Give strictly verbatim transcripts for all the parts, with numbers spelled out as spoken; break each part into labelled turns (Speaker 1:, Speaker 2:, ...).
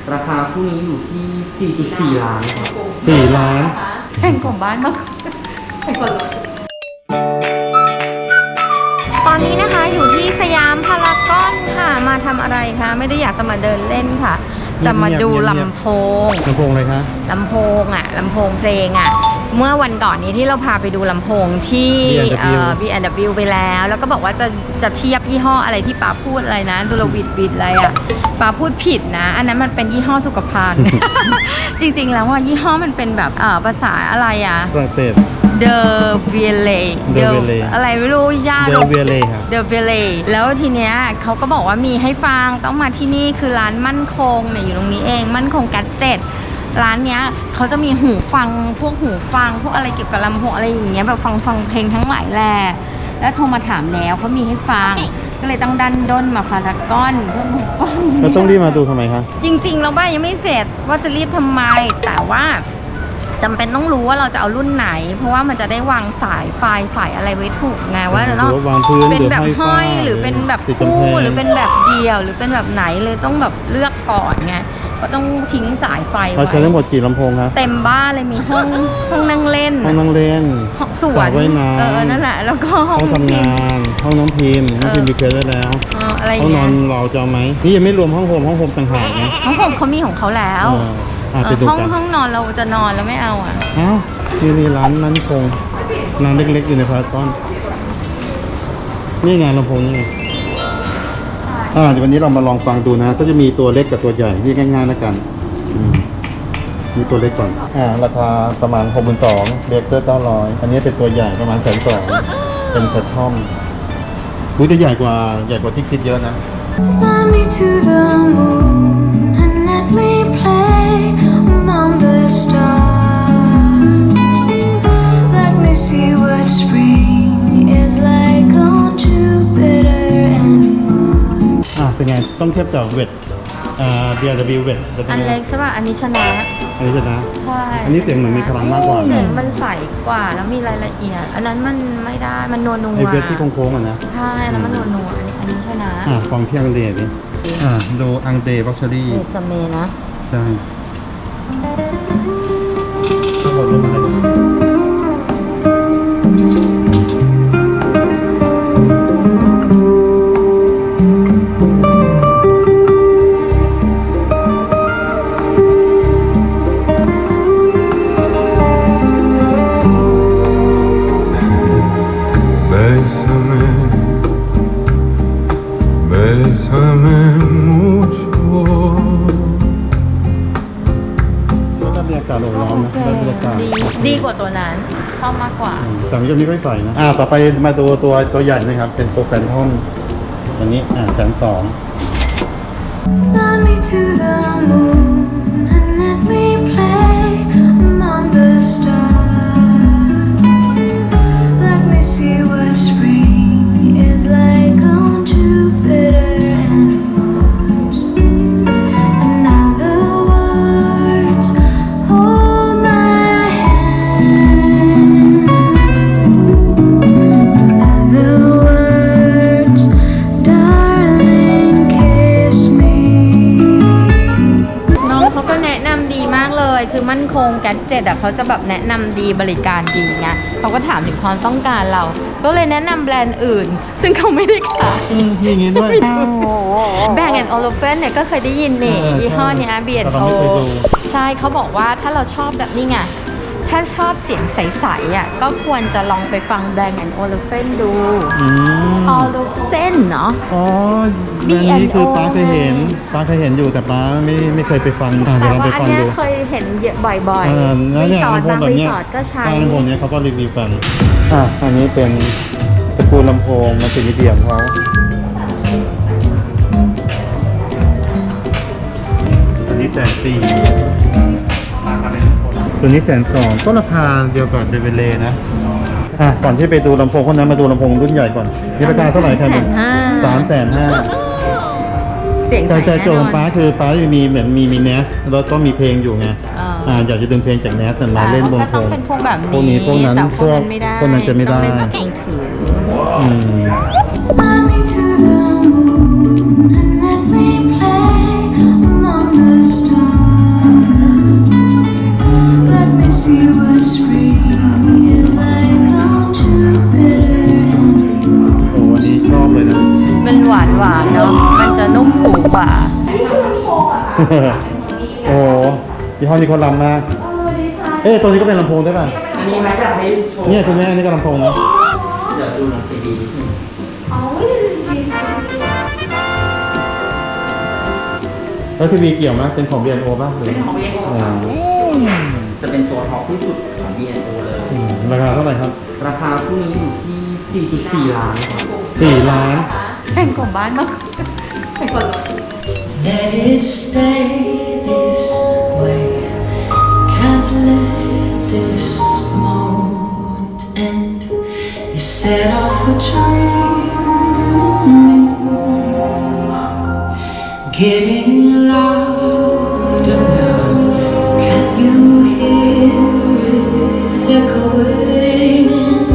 Speaker 1: ราคาคู่นี้อยู่ที่ สี่จุดสี่ ล้านครับ
Speaker 2: สี่ล้าน
Speaker 3: แพงกว่าบ้านมากแพงกว่ารถตอนนี้นะคะอยู่ที่สยามพารากอนค่ะมาทำอะไรคะไม่ได้อยากจะมาเดินเล่นค่ะ จะมาดูลำโพง
Speaker 2: ลำโพงอะไรคะ
Speaker 3: ลำโพงอ่ะลำโพงเพลงอ่ะเมื่อวันก่อนนี้ที่เราพาไปดูลำโพงที่ บี แอนด์ ดับเบิลยู ไปแล้วแล้วก็บอกว่าจะจะเทียบยี่ห้ออะไรที่ป้าพูดอะไรนะดูลวิดวิดอะไรอ่ะป้าพูดผิดนะอันนั้นมันเป็นยี่ห้อสุขภัณฑ์ จริงๆแล้วว่ายี่ห้อมันเป็นแบบเอ่อภาษาอะไรอ่ะ
Speaker 2: ฝรั่งเศส
Speaker 3: เดอเวเล
Speaker 2: De Ville
Speaker 3: อะไรไม่รู้ยาก
Speaker 2: เดลเวเล่ครับ
Speaker 3: เดอเวเลแล้วทีเนี้ยเขาก็บอกว่ามีให้ฟังต้องมาที่นี่คือร้านมั่นคงเนี่ยอยู่ตรงนี้เองมั่นคงกัดเจ็ดร้านเนี้ยเขาจะมีหูฟังพวกหูฟังพวกอะไรเกี่ยวกับลำโพงอะไรอย่างเงี้ยแบบฟังฟังเพลงทั้งหลายแหละแล้วโทรมาถามแล้วเขามีให้ฟัง ก็เลยต้องดันด้นมาพารากอนเพื่อหูฟัง
Speaker 2: เราต้องรีบมาดูทำไมคะ
Speaker 3: จริงๆเราบ้านยังไม่เสร็จว่าจะรีบทำไมแต่ว่าจำเป็นต้องรู้ว่าเราจะเอารุ่นไหน เพราะว่ามันจะได้วางสายไฟสายอะไรไว้ถูกไงว่าจะต้อง
Speaker 2: วางพื้น
Speaker 3: เป็นแบบ
Speaker 2: หรือห้
Speaker 3: ห้
Speaker 2: อ
Speaker 3: อย ย
Speaker 2: ฝ้า
Speaker 3: หรือเป็นแบบ
Speaker 2: ติดกำ
Speaker 3: คู่
Speaker 2: แพง
Speaker 3: หรือเป็นแบบเดียวหรือเป็นแบบไหนเลยต้องแบบเลือกก่อนไงก็ต้องทิ้งสายไฟ
Speaker 2: เรา
Speaker 3: ไว้
Speaker 2: ใช้ทั้งหมดกี่ลำโพงคะ
Speaker 3: เต็มบ้านเลยมีห้องห้องนั่งเล่น
Speaker 2: ห้องนั่งเล่น
Speaker 3: ห้องสว
Speaker 2: ส
Speaker 3: น
Speaker 2: ระว่ายน้ำ
Speaker 3: เออนั่นแหละแล้วก็ห้
Speaker 2: ห้
Speaker 3: อ
Speaker 2: อง งทำ
Speaker 3: พิม
Speaker 2: งา
Speaker 3: พ์
Speaker 2: นห้องน้องพิมพ์น้องพิมพ์มีเคสไว้แล้ว
Speaker 3: เอออะไร
Speaker 2: ห้องน
Speaker 3: เงี้
Speaker 2: อย นเราจะเอาไหมนี่ยังไม่รวมห้องโฮมห้องโฮมต่างหากนะ
Speaker 3: ห้องผมเขามีของเขาแล้ว
Speaker 2: เอออ่ะ
Speaker 3: เอ
Speaker 2: ไป
Speaker 3: อ
Speaker 2: ดู
Speaker 3: ห้อง
Speaker 2: กัน
Speaker 3: ห้องนอนเราจะนอนแล้วไม่เอาอ่ะ
Speaker 2: อ้าวนี่นี่ร้านนั้นคงร้านเล็กๆอยู่ในพารากอนนี่ไงลำโพงนี่ไงอ่าเดี๋ยววันนี้เรามาลองฟังดูนะ ก็จะมีตัวเล็กกับตัวใหญ่นี่ง่ายๆแล้วกันอืมมีตัวเล็กก่อนอ่าราคาประมาณหกหมื่นสองเบเกอร์เก้าร้อยอันนี้เป็นตัวใหญ่ประมาณแสนสองเป็นแพททอมรู้จะใหญ่กว่าใหญ่กว่าที่คิดเยอะนะ
Speaker 4: Fly me to the moon and let me play among the stars. Let me see what spring is like on Jupiter and Mars.
Speaker 2: อ่ะเป็นไงต้องเทียบกับเวทอ่า บี อาร์ ดับเบิลยู เวทจะเป็
Speaker 3: อั
Speaker 2: น
Speaker 3: น
Speaker 2: ไง
Speaker 3: เล็กใช่ป่ะอันนี้ชนะ
Speaker 2: อันนี้ชนะ
Speaker 3: ใช่
Speaker 2: อันนี้เสียงเหมือนมีพลังมากกว่านะ
Speaker 3: เสียงมันใสกว่าแล้วมีรายละเอียด อันนั้นมันไม่ได้ มันนัวนัว
Speaker 2: ไอเวทที่โค้งๆอ่ะนะ
Speaker 3: ใช่แล้วมันนัวนัวอันนี้อันนี้ชนะ
Speaker 2: อ่ะฟังเพียงเดย์ดิอ่าดูอังเดย์บ็อกเชอรี่
Speaker 3: เอสเมนะ
Speaker 2: ใช่ทั้งหมดรุ่นอะไร
Speaker 5: Bésame, bésame mucho.
Speaker 2: ก็ได้บรรยากาศโอบล้อมนะได้บรรยากาศ
Speaker 3: ดีดีกว่าตัวนั้นชอบมากกว่า
Speaker 2: อืมแต่มันก็ไม่ค่อยใส่นะ อ่า ต่อไปมาดูตัวตัวใหญ่นะครับ เป็นตัวแฟนทอมอันนี้ อ่าแสนสอง
Speaker 4: Fly me to the moon and let me play among the stars. Let me see what spring is like on Jupiter and Mars. And now the words hold my hand. Now the words, darling, kiss me.
Speaker 3: น้องเขาก็แนะนำดีมากเลย คือมั่นคงแกดเจ็ตอ่ะเขาจะแบบแนะนำดีบริการดีไงเขาก็ถามถึงความต้องการเรา ก็เลยแนะนำแบรนด์อื่น ซึ่งเขาไม่ได้ขาย
Speaker 2: อืมที่อย่างงี้ด้วย
Speaker 3: แบงก์แอนด์โอโลเฟนเนี่ยก็เคยได้ยินนี่
Speaker 2: เออ
Speaker 3: ยี่ห้อเนี้ย บี แอนด์
Speaker 2: แต่
Speaker 3: โอ
Speaker 2: เราไม่เคยดู
Speaker 3: ใช่เขาบอกว่าถ้าเราชอบแบบนี้ไง ถ้าชอบเสียงใสๆอ่ะก็ควรจะลองไปฟังแบงก์แอนด์โอโลเฟนดู
Speaker 2: อืม
Speaker 3: โอโลเฟนเนาะ
Speaker 2: อ๋อ
Speaker 3: บี
Speaker 2: แบรนด์นี้คือ
Speaker 3: แอนด์โอ
Speaker 2: ป้าเคยเห็นป้าเคยเห็นอยู่แต่ป้าไม่ไม่เคยไปฟังอ่ะเดี๋
Speaker 3: แต่
Speaker 2: ยวเรา
Speaker 3: ว่า
Speaker 2: ไป
Speaker 3: อัน
Speaker 2: ฟัง
Speaker 3: เนี้ย
Speaker 2: ดู
Speaker 3: เคยเห็นเยอะบ่อย
Speaker 2: เออ
Speaker 3: ๆ
Speaker 2: แล้ว
Speaker 3: รี
Speaker 2: เนี่ย
Speaker 3: สอร์ท
Speaker 2: ลำโพง
Speaker 3: บาง
Speaker 2: แบบ
Speaker 3: รี
Speaker 2: เนี้ย
Speaker 3: สอร์ทก็ใช้
Speaker 2: ลำโพงเนี้ยเขาก็รีวิวกัน อ่ะ อันนี้เป็นตระกูลลำโพงมันเป็นมีเดียมเขาอันนี้แสนสี่ตัวนี้แสนสองก็ราคาเดียวกับเดเวเลนะ อ่ะ ก่อนที่ไปดูลำโพงคนนั้นมาดูลำโพงรุ่นใหญ่ก่อนนี่ราคาเท่าไหร่ครับ
Speaker 3: แสนห้า
Speaker 2: สามแสนห้า
Speaker 3: เสียงใส
Speaker 2: แต่แต่
Speaker 3: แน่
Speaker 2: โจ
Speaker 3: น
Speaker 2: ทย์
Speaker 3: อ
Speaker 2: ของป้าน คือป้าจะมีเหมือนมีมีเนสแล้วก็มีเพลงอยู่ไง
Speaker 3: อ่า
Speaker 2: อ่าอยากจะดึงเพลงจากเนสมาเล่นบน
Speaker 3: ก็
Speaker 2: โพ
Speaker 3: ต้อง
Speaker 2: ง
Speaker 3: เป็นพวกแบบ
Speaker 2: พวกนี้
Speaker 3: นี้
Speaker 2: พวกนั้น
Speaker 3: แต่พวกนั้น
Speaker 2: พวก
Speaker 3: ไม่ได้
Speaker 2: พวกนั้นจะไม่ได้
Speaker 3: ต้องเล่นแบบมือถือ
Speaker 2: อืม
Speaker 4: Fly me to the moon and let me play among the stars.
Speaker 2: โอ้โหยี่ห้อนี้เขาล้ำมาก เอ๊ะตัวนี้ก็เป็นลำโพงได้ป่ะ
Speaker 1: อันนี้แม็กจะให้โชว์
Speaker 2: เนี่ยคุณแม่นี่ก็ลำโพงนะ
Speaker 1: เดี๋ยวดูหนังซีดีนิดนึง
Speaker 2: แล้วทีวีเกี่ยวไหมเป็นของ บี แอนด์ โอ ป่ะหรือ
Speaker 1: เป็นของ บี เอ็น โอ
Speaker 2: อ่า
Speaker 1: ครับจะเป็นตัวท็อปที่สุดของ บี เอ็น โอ เลย
Speaker 2: อืมราคาเท่าไหร่ครับ
Speaker 1: ราคาคู่นี้อยู่ที่ สี่จุดสี่ ล้านครับ
Speaker 2: สี่ล้าน
Speaker 3: แพงกว่าบ้านมากแพงกว่า
Speaker 6: Let it stay this way. Can't let this moment end. You set off a dream in me, getting louder now. Can you hear it echoing?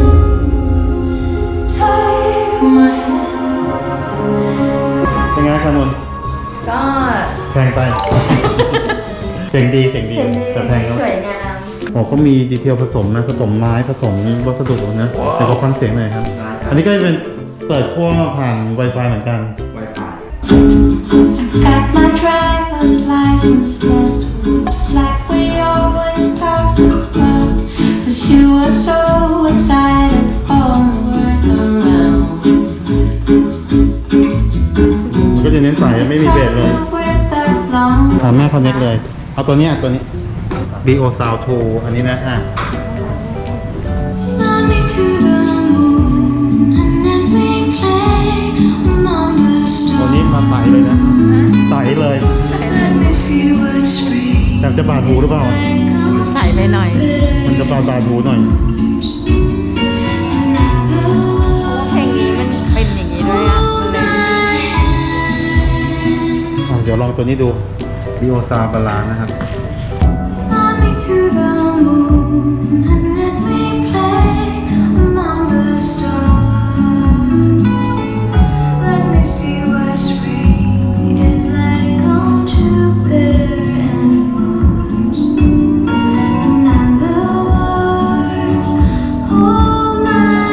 Speaker 6: Take my hand.
Speaker 2: เป็นไงครับมุน
Speaker 3: ก็
Speaker 2: แพงไป เสียงดีเสียงดีแต่แพงแล้ว
Speaker 3: สวยงาม
Speaker 2: โอ้เขามีดีเทลผสมนะผสมไม้ผสมวัสดุนะแต่ก็ฟังเสียงหน่อยครับ อันนี้ก็จะเป็นเปิดขั้วผ่าน Wi-Fi เหมือนกัน
Speaker 1: Wi-Fi
Speaker 6: Got my driver's license last week, just like we always talked about. 'Cause you were so excited for me around.
Speaker 2: มันก็จะเน้นสายไม่มีเบสเลย
Speaker 6: With that long
Speaker 2: อ่าแม่คอนเน็กเลย เอาตัวเนี้ยตัวนี้ บี โอ Sound ทู อันนี้นะอ่ะ
Speaker 4: Fly me to the moon and let me play among the
Speaker 2: ตัว
Speaker 4: stars.
Speaker 2: นี้มาใสเลยนะใสเลย
Speaker 4: Let me see what spring
Speaker 2: แต่จะบาดหูหรือเปล่า
Speaker 3: ใส่ไปหน่อย
Speaker 2: มันจะบาดบาดหูหน่อย
Speaker 3: เพลงนี้มันเป็นอย่างนี้ด้วยอ่ะ มันเลย
Speaker 2: อ่ะเดี๋ยวลองตัวนี้ดู บี โอ Sound บาลานนะครับ
Speaker 4: Fly me to the moon and let me play among the stars. Let me see what spring is like on Jupiter and Mars. In other words, hold my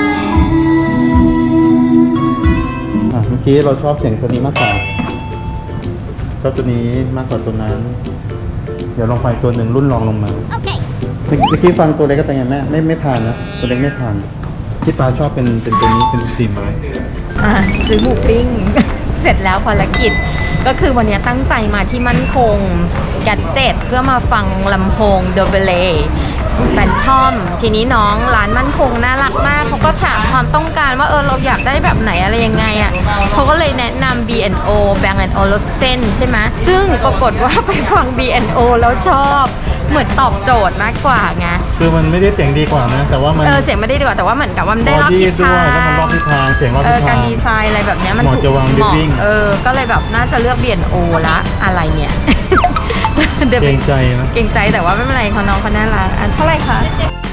Speaker 4: hand.
Speaker 2: อ่ะเมื่อกี้เราชอบเสียงตัวนี้มากกว่าชอบตัวนี้มากกว่าตัวนั้น เดี๋ยวลองฟังอีกตัวหนึ่งรุ่นรองลงมาโอเคเมื่อกี้ฟังตัวเล็กก็เป็นไงแม่ไม่ไม่ผ่านนะตัวเล็กไม่ผ่านที่ปาชอบเป็นเป็นตัวนี้เป็นสีไม้
Speaker 3: อ่ะซื้อหมูปิ้ง เสร็จแล้วภารกิจ ก็คือวันนี้ตั้งใจมาที่มั่นคงแกดเจ็ตเพื่อมาฟังลำโพงเดอะเบเลแฟนทอม ทีนี้น้องร้านมั่นคงน่ารักมาก เขาก็ถามความต้องการว่าเออเราอยากได้แบบไหนอะไรยังไงอ่ะเขาก็เลยแนะนำ บี แอนด์ โอ Bang แอนด์ Olufsen ใช่ไหมซึ่งปรากฏว่าไปฟัง บี แอนด์ โอ แล้วชอบเหมือนตอบโจทย์มากกว่าไง
Speaker 2: คือมันไม่ได้เสียงดีกว่านะ แต่ว่ามัน
Speaker 3: เออเสียงไม่ได้ดีกว่าแต่ว่าเหมือนกับว่ามันได้รอบทิศ
Speaker 2: ด้
Speaker 3: ทา
Speaker 2: วย
Speaker 3: ง
Speaker 2: แล้วมันรอบทิศทางเสียงรอบ
Speaker 3: เอ
Speaker 2: ทิ
Speaker 3: อ
Speaker 2: ศ
Speaker 3: กา
Speaker 2: ทาร ง
Speaker 3: ดีไซน์อะไรแบบเนี้ยมัน
Speaker 2: เหมาะ
Speaker 3: ถูก
Speaker 2: จะวาง
Speaker 3: เหมาะ
Speaker 2: living
Speaker 3: เออ ก็เลยแบบน่าจะเลือก บี แอนด์ โอ ละอะไรเนี่ย เดี๋ยว
Speaker 2: เก
Speaker 3: ไป
Speaker 2: รงใจนะ
Speaker 3: เก่งใจแต่ว่าไม่เป็นไรเขาน้องเขาน่ารักอันเท่าไหร่คะ